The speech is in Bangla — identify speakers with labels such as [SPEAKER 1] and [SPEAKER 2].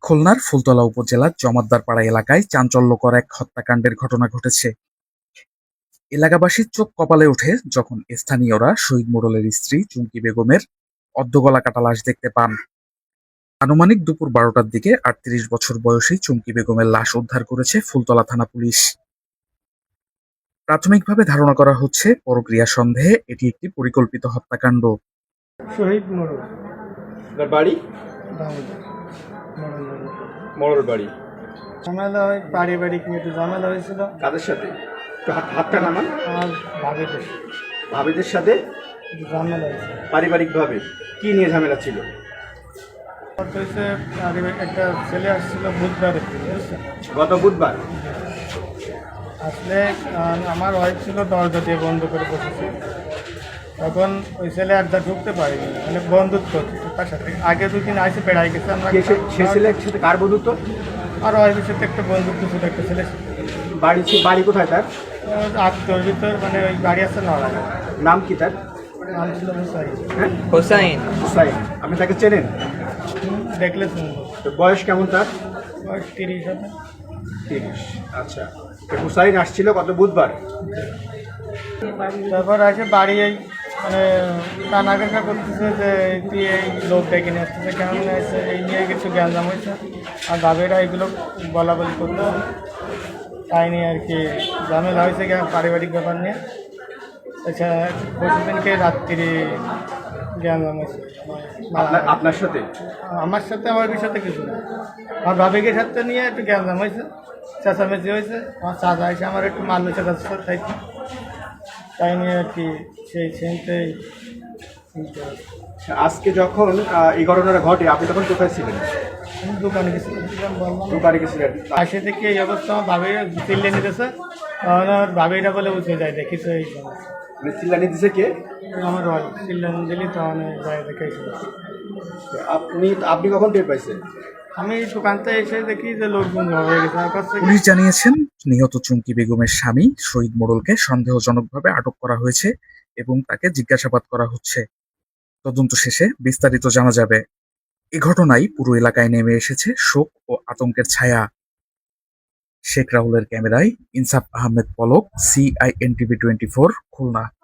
[SPEAKER 1] খুলনার ফুলতলা উপজেলার জমাদ্দারপাড়া এলাকায় চাঞ্চল্যকর এক হত্যাকাণ্ডের ঘটনা ঘটেছে। এলাকাবাসীর চোখ কপালে ওঠে যখন স্থানীয়রা শহীদ মোড়লের স্ত্রী চুমকি বেগমের অর্ধগলা কাটা লাশ দেখতে পান। আনুমানিক দুপুর ১২টার দিকে ৩৮ বছর বয়সী চুমকি বেগমের লাশ উদ্ধার করেছে ফুলতলা থানা পুলিশ। প্রাথমিকভাবে ধারণা করা হচ্ছে পরক্রিয়া সন্দেহে এটি একটি পরিকল্পিত হত্যাকাণ্ড।
[SPEAKER 2] শহীদ মোড়ল
[SPEAKER 3] আপনার বাড়ি
[SPEAKER 2] দামোদর মোড়ল মোড়ল।
[SPEAKER 3] মরর বাড়ি।
[SPEAKER 2] ঝামেলা হয় পারিবারিক নিয়ে একটু ঝামেলা হয়েছিল
[SPEAKER 3] কাদের সাথে? একটু হাতটা নামান।
[SPEAKER 2] আমার ভাবিদের
[SPEAKER 3] ভাবিদের সাথে
[SPEAKER 2] একটু ঝামেলা হয়েছে।
[SPEAKER 3] পারিবারিকভাবে কি নিয়ে ঝামেলা ছিল?
[SPEAKER 2] কথা হয়েছে একটা ছেলে আসছিল বুধবারের দিন, বুঝছেন?
[SPEAKER 3] গত বুধবার।
[SPEAKER 2] আসলে আমার ওয়াইফ ছিল দরজা দিয়ে বন্ধ করে বসেছে। তখন ওই ছেলে আর ঢুকতে পারিনি, মানে বন্ধুত্ব হচ্ছে তার সাথে। আগে দুদিন আইসে বেড়াই গেছে আমরা।
[SPEAKER 3] সে ছেলের সাথে কার বন্ধুত্ব?
[SPEAKER 2] আর ওয়াইফের সাথে একটা বন্ধুত্ব ছিল, একটা ছেলে
[SPEAKER 3] বাড়ি কোথায় তার?
[SPEAKER 2] আত্মীয়র ভিতর, মানে ওই গাড়ি আছে নড়ায়।
[SPEAKER 3] নাম কি তার?
[SPEAKER 2] নাম ছিল হুসাইন।
[SPEAKER 3] হ্যাঁ?
[SPEAKER 4] হোসাইন।
[SPEAKER 3] হুসাইন। আপনি তাকে চেনেন?
[SPEAKER 2] দেখলে শুনবো।
[SPEAKER 3] তো বয়স কেমন তার?
[SPEAKER 2] বয়স 30 হবে।
[SPEAKER 3] 30। আচ্ছা, তো হুসাইন আসছিল গত বুধবার।
[SPEAKER 2] তারপর আসে বাড়ি এই মানে কানাঘাসা করতেছে যে তুই এই লোক ডেকে নিয়ে আসতেছে, কেমন আছে এই নিয়ে কিছু জ্ঞানজাম হয়েছে। আর দাবেরা এগুলো বলা বলি করতে, তাই নিয়ে আর কি ঝামেলা হয়েছে পারিবারিক ব্যাপার নিয়ে। আচ্ছা, পরশুদিনকে রাত্রি জ্ঞানজাম হয়েছে
[SPEAKER 3] আপনার সাথে?
[SPEAKER 2] আমার সাথে, আমার সাথে কিছু না, আমার ভাবিকের সাথে নিয়ে একটু জ্ঞানজাম হয়েছে, চেঁচামেচি হয়েছে। আমার চাচা এসে আমার একটু মারলো, চেঁচাচ্ছে তাই নিয়ে আর কি সেই সেন্টেই।
[SPEAKER 3] আজকে যখন এই ঘটনাটা ঘটে আপনি তখন কোথায় ছিলেন?
[SPEAKER 2] আমি দোকানে গেছিলাম, বললাম
[SPEAKER 3] দোকানে গেছিলেন।
[SPEAKER 2] আসে থেকে এই অবস্থা। আমার ভাবিরা চিল্লে নিতেছে, তখন আমার ভাবিরা বলে উঠে যায়, দেখিস এই সমস্যা।
[SPEAKER 3] মানে চিল্লানি দিছে কে?
[SPEAKER 2] আমার রয় চিল্লান দিলি, তখন যায় দেখেছিল।
[SPEAKER 3] আপনি কখন টের পাইছেন?
[SPEAKER 2] আমি দোকানতে এসে দেখি যে লোকজন জমা হয়ে গেছে। আমার কাছে
[SPEAKER 1] পুলিশ জানিয়েছেন, নিহত চুমকি বেগমের স্বামী শহীদ মোড়লকে সন্দেহজনকভাবে আটক করা হয়েছে এবং তাকে জিজ্ঞাসাবাদ করা হচ্ছে। তদন্ত শেষে বিস্তারিত জানা যাবে। এ ঘটনায় পুরো এলাকায় নেমে এসেছে শোক ও আতঙ্কের ছায়া। শেখ রাহুলের ক্যামেরায় ইনসাফ আহমেদ পলক, CINTV 24, খুলনা।